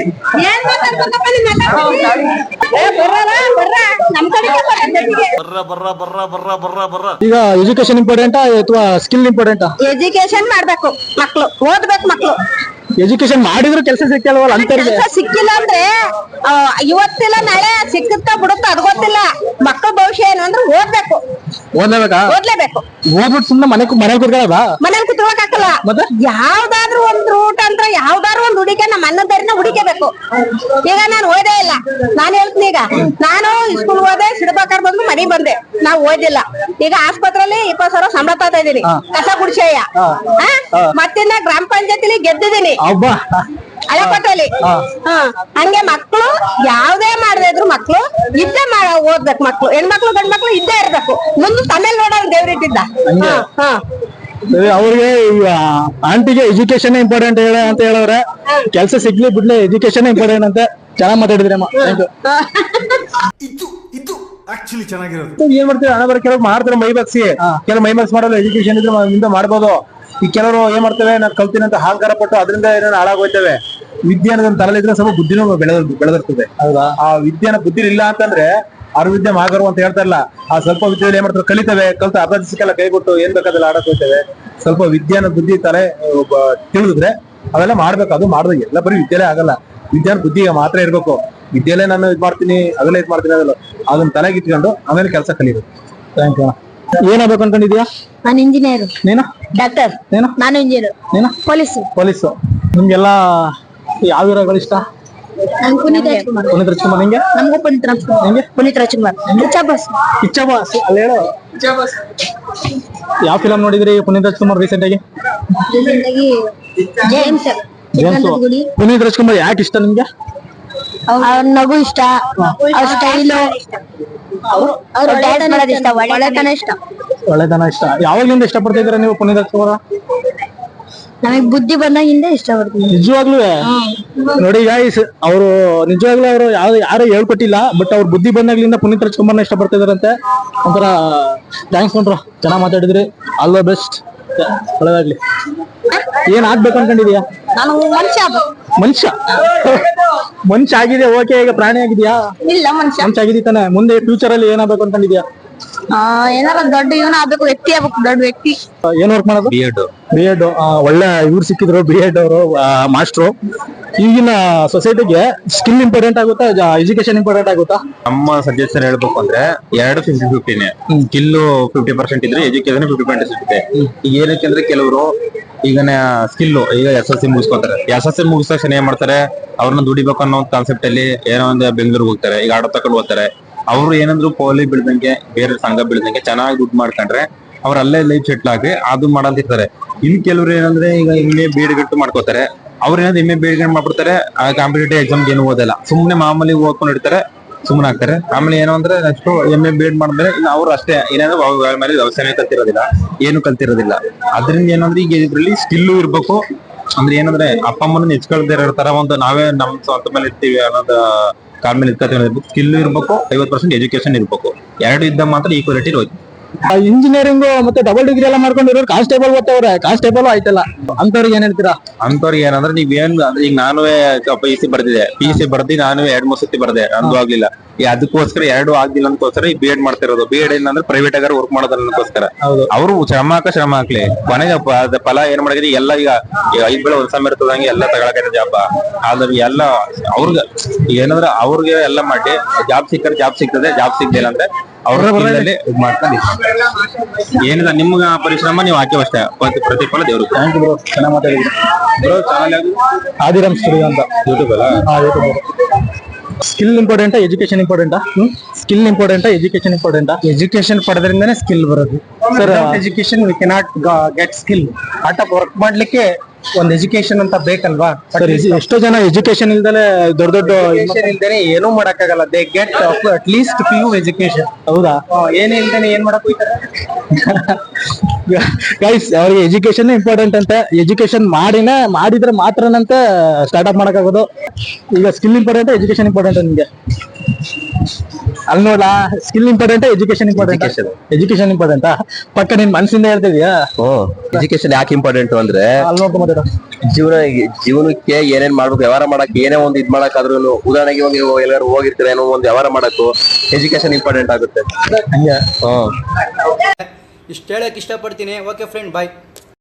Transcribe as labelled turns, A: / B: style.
A: ಏನ್ ಮಾತಾಡ್ಬೇಕಪ್ಪ ನಿಮ್ಮೆಲ್ಲ? ಏ ಬರ್ರಲ್ಲ, ಬರ್ರ. ನಮ್ ಕಡೆಗೆ ಬರ್ರ.
B: ಈಗ ಎಜುಕೇಶನ್ ಇಂಪಾರ್ಟೆಂಟಾ ಅಥವಾ ಸ್ಕಿಲ್ ಇಂಪಾರ್ಟೆಂಟಾ?
A: ಎಜುಕೇಶನ್ ಮಾಡ್ಬೇಕು ಮಕ್ಳು, ಓದ್ಬೇಕು ಮಕ್ಳು.
B: ಎಜುಕೇಶನ್ ಮಾಡಿದ್ರು ಕೆಲಸ ಸಿಕ್ಕಲ್ವಲ್ಲ ಅಂತವ್ರಿಗೆ.
A: ಕೆಲ್ಸ ಸಿಕ್ಕಿಲ್ಲ ಅಂದ್ರೆ ಇವತ್ತಿಲ್ಲ ನಾಳೆ ಸಿಕ್ಕುತ್ತಾ ಬಿಡುತ್ತಾ ಅದ್ ಗೊತ್ತಿಲ್ಲ. ಮಕ್ಕಳ ಭವಿಷ್ಯ ಏನು ಅಂದ್ರೆ ಓದ್ಬೇಕು,
B: ಓದ್ಲೇಬೇಕಾ?
A: ಓದ್ಲೇಬೇಕು.
B: ಓದ್ಬಿಟ್ಟು ಸುಮ್ನೆ ಮನೆ ಕೂತ್ಕೊಳ್ಳೋದಾ?
A: ಮನೇಲಿ ಕುತ್ಕೊಳಕ್ ಆಗಲ್ಲ.
B: ಮತ್ತೆ
A: ಯಾವ್ದಾದ್ರು ಒಂದ್ ರೂಟ್ ಅಂತ ಯಾವ್ದಾದ್ರು ಒಂದ್ ಹುಡುಕೆ ನಮ್ಮ ಅನ್ನದಾರಿನ ಹುಡುಕಬೇಕು. ಈಗ ನಾನು ಓದೇ ಇಲ್ಲ, ನಾನು ಹೇಳ್ತೀನಿ. ಈಗ ನಾನು ಸ್ಕೂಲ್ ಹೋದೆ, ಸಿಡ್ಬೇಕಾರ್ ಬಂದು ಮನೆಗ್ ಬಂದೆ, ನಾವ್ ಓದಿಲ್ಲ. ಈಗ ಆಸ್ಪತ್ರೆಯಲ್ಲಿ 20,000 ಸಂಬಳ ತಗೋತಾ ಇದೀನಿ, ಕಸ ಗುಡ್ಸಯ್ಯ. ಮತ್ತಿನ್ನ ಗ್ರಾಮ ಪಂಚಾಯತಿಲಿ ಗೆದ್ದಿದ್ದೀನಿ ಹಳೆಪಟ್ಟಲ್ಲಿ. ಹಂಗೆ ಮಕ್ಳು ಯಾವ್ದೇ ಮಾಡದೇ ಇದ್ರು ಮಕ್ಳು ಇದ್ದೇ ಓದ್ಬೇಕು. ಮಕ್ಳು ಹೆಣ್ಮಕ್ಳು ಗಂಡ್ ಮಕ್ಳು ಇದ್ದೇ ಇರ್ಬೇಕು. ಮುಂದೆ ತಮೇಲ್ ನೋಡೋರು ದೇವ್ರಿಟ್ಟಿದ್ದ.
B: ಅವ್ರಿಗೆ ಆಂಟಿಗೆ ಎಜುಕೇಶನ್ ಇಂಪಾರ್ಟೆಂಟ್ ಅಂತ ಹೇಳವ್ರೆ. ಕೆಲ್ಸ ಸಿಗ್ಲಿ ಬಿಡ್ಲಿ ಎಜುಕೇಶನ್ ಇಂಪಾರ್ಟೆಂಟ್ ಅಂತ ಚೆನ್ನಾಗ್ ಮಾತಾಡಿದ್ರಮ್ಮ.
C: ಆಕ್ಚುಲಿ ಚೆನ್ನಾಗಿರೋದು.
B: ಏನ್ ಮಾಡ್ತೀವಿ ಹಣ ಬರ ಕೆಲವ್ರು ಮಾಡ್ತಾರೆ ಮೈ ಬಗ್ಸಿ, ಕೆಲವು ಮೈ ಬಗ್ಸ್ ಮಾಡಲ್ಲ. ಎಜುಕೇಶನ್ ಇದ್ರೆ ಮುಂದೆ ಮಾಡ್ಬೋದು. ಈ ಕೆಲವರು ಏನ್ ಮಾಡ್ತೇವೆ, ನಾನು ಕಲ್ತೀನಿ ಅಂತ ಅಹಂಕಾರ ಪಟ್ಟು ಅದರಿಂದ ಏನೇನು ಹಾಳಾಗೋಯ್ತೇವೆ. ವಿದ್ಯೆ ಅನ್ನೋದನ್ನ ತಲೆಲಿದ್ರೆ ಸ್ವಲ್ಪ ಬುದ್ಧಿನೂ ಬೆಳೆದಿರ್ತದೆ. ಹೌದಾ? ಆ ವಿದ್ಯೆನ ಬುದ್ಧಿ ಇಲ್ಲ ಅಂತಂದ್ರೆ ಅವ್ರ ವಿದ್ಯೆ ಮಾಗರು ಅಂತ ಹೇಳ್ತಾರಲ್ಲ, ಆ ಸ್ವಲ್ಪ ವಿದ್ಯೆಯಲ್ಲಿ ಏನ್ ಮಾಡ್ತಾರೆ, ಕಲಿತೇವೆ, ಕಲ್ತ ಅರ್ಧ ದಿವಸಕ್ಕೆಲ್ಲ ಕೈಬಿಟ್ಟು ಏನ್ ಬೇಕಾದಲ್ಲ ಆಡಕ್ ಹೋಗ್ತೇವೆ. ಸ್ವಲ್ಪ ವಿದ್ಯಾನ ಬುದ್ಧಿ ತಲೆ ತಿಳಿದ್ರೆ ಅವೆಲ್ಲ ಮಾಡ್ಬೇಕು. ಅದು ಮಾಡಿದ್ರೆ ಎಲ್ಲ ಬರೀ ವಿದ್ಯೆಲೇ ಆಗಲ್ಲ. ವಿದ್ಯಾನ ಬುದ್ಧಿಗೆ ಮಾತ್ರ ಇರ್ಬೇಕು. ವಿದ್ಯೆಲೇ ನಾನು ಇದ್ ಮಾಡ್ತೀನಿ ಅದೆಲ್ಲ ಇದ್ ಮಾಡ್ತೀನಿ ಅದಲ್ಲ, ಅದನ್ನ ತಲೆಗೆ ಇಟ್ಕೊಂಡು ಆಮೇಲೆ ಕೆಲಸ ಕಲಿಬೇಕು. Thank you. ಏನಾಗ್ಬೇಕು ಅನ್ಕೊಂಡಿದ್ಯಾ?
A: ನಾನು ಇಂಜಿನಿಯರ್.
B: ನೀನು?
A: ಡಾಕ್ಟರ್.
B: ನೀನು?
A: ನಾನು ಇಂಜಿನಿಯರ್.
B: ನೀನು? ಪೊಲೀಸು. ನಿಮ್ಗೆಲ್ಲ ಯಾವ ಹೀರೋಗಳು ಇಷ್ಟ?
A: ಪುನೀತ್ ರಾಜ್ಕುಮಾರ್.
B: ಪುನೀತ್ ರಾಜ್ಕುಮಾರ್. ನಿಂಗೆ?
A: ನಮಗೂ ಪುನೀತ್ ರಾಜ್ಕುಮಾರ್.
B: ನಿಂಗೆ?
A: ಪುನೀತ್ ರಾಜ್ಕುಮಾರ್.
B: ಕಿಚ್ಚ ಬಾಸ್ ಅಲ್ಲಿ ಹೇಳು. ಯಾವ ಫಿಲಂ ನೋಡಿದ್ರಿ ಪುನೀತ್ ರಾಜ್ಕುಮಾರ್ ರೀಸೆಂಟ್ ಆಗಿ?
A: ಜೇಮ್ಸ್.
B: ಪುನೀತ್ ರಾಜ್ಕುಮಾರ್ ಯಾಕೆ ಇಷ್ಟ ನಿಮ್ಗೆ?
A: ಅವ್ರ ನಗು ಇಷ್ಟ, ಅವ್ರ ಸ್ಟೈಲು, ಅವ್ರ ಡ್ಯಾನ್ಸ್ ಮಾಡೋದು ಇಷ್ಟ,
B: ಒಳ್ಳೆತನ ಇಷ್ಟ. ಯಾವಾಗ್ಲಿಂದ ಇಷ್ಟ ಪಡ್ತಿದ್ದೀರಾ ನೀವು ಪುನೀತ್ ರಾಜ್ಕುಮಾರ್?
A: ನಮಗ್ ಬುದ್ಧಿ ಬಂದಾಗಿಂದ ಇಷ್ಟ ಪಡ್ತೀನಿ.
B: ನಿಜವಾಗ್ಲೂ ನೋಡಿ ಗಾಯ್ಸ್, ಅವರು ನಿಜವಾಗ್ಲೂ ಅವರು ಯಾರು ಹೇಳ್ಕೊಟ್ಟಿಲ್ಲ, ಬಟ್ ಅವ್ರ ಬುದ್ಧಿ ಬಂದಾಗ್ಲಿಂದ ಪುನೀತ್ ರಾಜ್ಕುಮಾರ್ನ ಇಷ್ಟ ಪಡ್ತಿದಾರಂತೆ. ಒಂಥರ ಥ್ಯಾಂಕ್ಸ್ ಕೊಂಡ್ರು, ಚೆನ್ನಾಗ್ ಮಾತಾಡಿದ್ರಿ. ಆಲ್ ದ ಬೆಸ್ಟ್, ಒಳ್ಳೆದಾಗ್ಲಿ. ಏನ್ ಆಗ್ಬೇಕು ಅನ್ಕೊಂಡಿದ್ಯಾ?
A: ನಾನು
B: ಮನುಷ್ಯ ಆಗಿದೆ, ಓಕೆ. ಈಗ ಪ್ರಾಣಿ ಆಗಿದ್ಯಾ?
A: ಇಲ್ಲ, ಮನುಷ್ಯ
B: ಆಗಿದ್ದೀ ತಾನೆ. ಮುಂದೆ ಫ್ಯೂಚರ್ ಅಲ್ಲಿ ಏನಾಗ್ಬೇಕು ಅನ್ಕೊಂಡಿದ್ಯಾ?
A: ಏನಾರ ದೊಡ್ಡ ಇವನ ಆಗ್ಬೇಕು, ವ್ಯಕ್ತಿ ಆಗ್ಬೇಕು, ದೊಡ್ಡ ವ್ಯಕ್ತಿ.
B: ಏನ್ ವರ್ಕ್ ಮಾಡೋದು? ಬಿ.ಎಡ್. ಒಳ್ಳೆ ಇವ್ರು ಸಿಕ್ಕಿದ್ರು B.Ed ಅವರು, ಮಾಸ್ಟ್ರು. ಈಗಿನ ಸೊಸೈಟಿಗೆ ಸ್ಕಿಲ್ ಇಂಪಾರ್ಟೆಂಟ್ ಆಗುತ್ತಾ, ಎಜುಕೇಶನ್ ಇಂಪಾರ್ಟೆಂಟ್ ಆಗುತ್ತಾ?
D: ನಮ್ಮ ಸಜೆಷನ್ ಹೇಳ್ಬೇಕು ಅಂದ್ರೆ 50-50 ಸ್ಕಿಲ್ 50% ಇದ್ರೆ ಎಜುಕೇಶನ್ 50% ಸಿಗುತ್ತೆ. ಈಗ ಏನಕ್ಕೆ ಅಂದ್ರೆ ಕೆಲವರು ಈಗ ಸ್ಕಿಲ್ ಈಗ SSLC ಮುಗಿಸ್ಕೊತಾರೆ. SSLC ಮುಗಿದ ತಕ್ಷಣ ಏನ್ ಮಾಡ್ತಾರೆ, ಅವ್ರನ್ನ ದುಡಿಬೇಕು ಅನ್ನೋ ಒಂದು ಕಾನ್ಸೆಪ್ಟ್ ಅಲ್ಲಿ ಏನೋ ಒಂದು ಬೆಂಗಳೂರಿಗೆ ಹೋಗ್ತಾರೆ, ಈಗ ಆಟೋ ತಗೊಂಡು ಹೋಗ್ತಾರೆ. ಅವ್ರು ಏನಂದ್ರು ಪೋಲಿ ಬೀಳ್ದಂಗೆ, ಬೇರೆ ಸಂಘ ಬೀಳ್ದಂಗೆ ಚೆನ್ನಾಗಿ ದುಡ್ಡು ಮಾಡ್ಕೊಂಡ್ರೆ ಅವ್ರ ಅಲ್ಲೇ ಲೈಫ್ ಸೆಟ್ಲ್ ಆಗಿ ಅದು ಮಾಡಂತಿರ್ತಾರೆ. ಇನ್ ಕೆಲವ್ರು ಏನಂದ್ರೆ ಈಗ B.Ed ಗಂಟು ಮಾಡ್ಕೋತಾರೆ. ಅವ್ರ ಏನಾದ್ರು B.Ed ಮಾಡ್ಬಿಡ್ತಾರೆ, ಕಾಂಪಿಟೇಟಿವ್ ಎಕ್ಸಾಮ್ಗೆ ಏನು ಓದಲ್ಲ, ಸುಮ್ನೆ ಮಾಮೂಲಿ ಓದ್ಕೊಂಡು ಇರ್ತಾರೆ, ಸುಮ್ಮನೆ ಆಗ್ತಾರೆ. ಆಮೇಲೆ ಏನೋ ಅಂದ್ರೆ ನೆಕ್ಸ್ಟ್ B.Ed ಮಾಡಿದ್ರೆ ಇನ್ನು ಅವ್ರು ಅಷ್ಟೇ, ಏನಾದ್ರು ಮೇಲೆ ವ್ಯವಸಾಯ ಕಲ್ತಿರೋದಿಲ್ಲ, ಏನು ಕಲ್ತಿರೋದಿಲ್ಲ. ಅದ್ರಿಂದ ಏನಂದ್ರೆ ಈಗ ಇದ್ರಲ್ಲಿ ಸ್ಕಿಲ್ಲು ಇರ್ಬೇಕು. ಅಂದ್ರೆ ಏನಂದ್ರೆ ಅಪ್ಪ ಅಮ್ಮನ ಹೆಚ್ಕೊಳ್ದೇ ಇರ್ತಾರ, ಒಂದು ನಾವೇ ನಮ್ ಸ್ವಂತ ಮೇಲೆ ಇರ್ತೀವಿ ಅನ್ನೋದು ಕಾಲ್ ಮೇಲೆ ಇರ್ಬೇಕು. ಸ್ಕಿಲ್ ಇರ್ಬೇಕು, 50% ಎಜುಕೇಶನ್ ಇರ್ಬೇಕು. ಎರಡು ಇದ್ದ ಮಾತ್ರ ಈಕ್ವಾಲಿಟಿ ಇರೋದು.
B: ಇಂಜಿನಿಯರಿಂಗ್ ಮತ್ತೆ ಡಬಲ್ ಡಿಗ್ರಿ ಎಲ್ಲ ಮಾಡ್ಕೊಂಡಿರೋರು ಕಾನ್ಸ್ಟೇಬಲ್ ಓದ್ತವ್ರೆ, ಕಾನ್ಸ್ಟೇಬಲ್ ಆಯ್ತಲ್ಲ, ಅಂತವ್ರಿಗೆ ಏನ್ ಹೇಳ್ತೀರಾ?
D: ಅಂತವ್ರಿಗೆ ಏನಂದ್ರೆ ನೀವೇನ್ ಅಂದ್ರೆ ಈಗ ನಾನು PUC ಬರ್ದಿದೆ, PUC ಬರ್ದಿ ನಾನು 2-3 ಸತಿ ಬರ್ದೆ, ನಂದು ಆಗ್ಲಿಲ್ಲ. ಅದಕ್ಕೋಸ್ಕರ 2 ಆಗ್ಲಿಲ್ಲ ಅಂತಕೋಸ್ಕರ ಈ B.Ed ಮಾಡ್ತಿರೋದು. B.Ed ಏನಂದ್ರೆ ಪ್ರೈವೇಟ್ ಆಗಾರ ವರ್ಕ್ ಮಾಡೋದನ್ನೋಸ್ಕರ. ಅವರು ಶ್ರಮ ಹಾಕ್ಲಿ, ಕೊನೆಗೆ ಫಲ ಏನ್ ಮಾಡಿದ್ರಿ ಎಲ್ಲ. ಈಗ 5 ಬೆಳೆ ವರ್ಷ ಇರ್ತದಂಗೆ ಎಲ್ಲ ತಗೊಳಕೈತೆ ಜಾಬ್. ಆದ್ರೆ ಎಲ್ಲ ಅವ್ರಿಗೆ ಏನಂದ್ರೆ ಅವ್ರಿಗೆ ಎಲ್ಲ ಮಾಡಿ ಜಾಬ್ ಸಿಕ್ಕರೆ ಜಾಬ್ ಸಿಗ್ತದೆ, ಜಾಬ್ ಸಿಗ್ಲಿಲ್ಲ ಅಂದ್ರೆ ಅವ್ರ ಇದ್ ಮಾಡ್ಕೊಂಡು ಏನಿಲ್ಲ. ನಿಮ್ಗ ಪರಿಶ್ರಮ ನೀವು ಹಾಕಿ ಅಷ್ಟೇ, ಪ್ರತಿಫಲ ದೇವ್ರು.
B: ಥ್ಯಾಂಕ್ ಯು ಬ್ರೋ, ಚೆನ್ನಾಗಿ ಮಾತಾಡಿದ್ರಿ ಬ್ರೋ. ಚಾನಲ್ ಆದಿರಾಮ್ ಸ್ಟುಡಿಯೋ ಅಂತ ಯೂಟ್ಯೂಬ್ ಅಲ್ಲ? ಯೂಟ್ಯೂಬ್. ಸ್ಕಿಲ್ ಇಂಪಾರ್ಟೆಂಟಾ ಎಜುಕೇಶನ್ ಇಂಪಾರ್ಟೆಂಟಾ? ಸ್ಕಿಲ್ ಇಂಪಾರ್ಟೆಂಟಾ ಎಜುಕೇಶನ್ ಇಂಪಾರ್ಟೆಂಟಾ?
E: ಎಜುಕೇಶನ್ ಪಡೆದ್ರಿಂದಾನೇ ಸ್ಕಿಲ್ ಬರೋದು sir. Education we cannot get skill. ಆಟ ವರ್ಕ್ ಮಾಡ್ಲಿಕ್ಕೆ ಒಂದ್ ಎಜುಕೇಶನ್ ಅಂತ ಬೇಕಲ್ವಾ?
B: ಎಷ್ಟೋ ಜನ ಎಜುಕೇಶನ್ ಇಲ್ದಲೆ ದೊಡ್ಡ
E: ಇಲ್ದೇನೆ ಏನೂ ಮಾಡಕ್ಕಾಗಲ್ಲ. They get at least PU education.
B: ಹೌದಾ?
E: ಏನೇ ಇಲ್ದೇನೆ ಏನ್ ಮಾಡಕ್ ಹೋಗ್ತಾರೆ
B: ಗೈಸ್. ಅವ್ರಿಗೆ ಎಜುಕೇಶನ್ ಇಂಪಾರ್ಟೆಂಟ್ ಅಂತೆ. ಎಜುಕೇಶನ್ ಮಾಡಿದ್ರೆ ಮಾತ್ರನಂತೆ ಸ್ಟಾರ್ಟ್ ಅಪ್ ಮಾಡಕ್ಕಾಗೋದು. ಈಗ ಸ್ಕಿಲ್ ಇಂಪಾರ್ಟೆಂಟ್, ಎಜುಕೇಶನ್ ಇಂಪಾರ್ಟೆಂಟ್ ನಿಮ್ಗೆ?
E: ಅಲ್ಲಿ ನೋಡ್ಲಾ skill important education important education ಇಂಪಾರ್ಟೆಂಟಾ ಪಕ್ಕ ನಿನ್ ಮನಸ್ಸಿಂದ ಹೇಳ್ತಿದ್ಯಾ
F: ಎಜುಕೇಶನ್ ಯಾಕೆ ಇಂಪಾರ್ಟೆಂಟ್ ಅಂದ್ರೆ
E: ಅಲ್ಲಿ ನೋಡ್ಕೊಂಡ್ ಮಾತಾಡ
F: ಜೀವನಕ್ಕೆ ಏನೇನ್ ಮಾಡ್ಬೇಕು, ವ್ಯವಹಾರ ಮಾಡಕ್ ಏನೇ ಒಂದು ಇದ್ ಮಾಡಕ್ಕಾದ್ರೂ, ಉದಾಹರಣೆಗೆ ಇವಾಗ ನೀವು ಎಲ್ಲಾರು ಹೋಗಿರ್ತೀರ ಏನೋ ಒಂದು ವ್ಯವಹಾರ ಮಾಡಕ್ಕೂ ಎಜುಕೇಶನ್ ಇಂಪಾರ್ಟೆಂಟ್ ಆಗುತ್ತೆ.
E: ಹಂಗೆ
F: ಹ್ಮ್
G: ಇಷ್ಟು ಹೇಳಕ್ ಇಷ್ಟಪಡ್ತೀನಿ. ಓಕೆ ಫ್ರೆಂಡ್, ಬಾಯ್.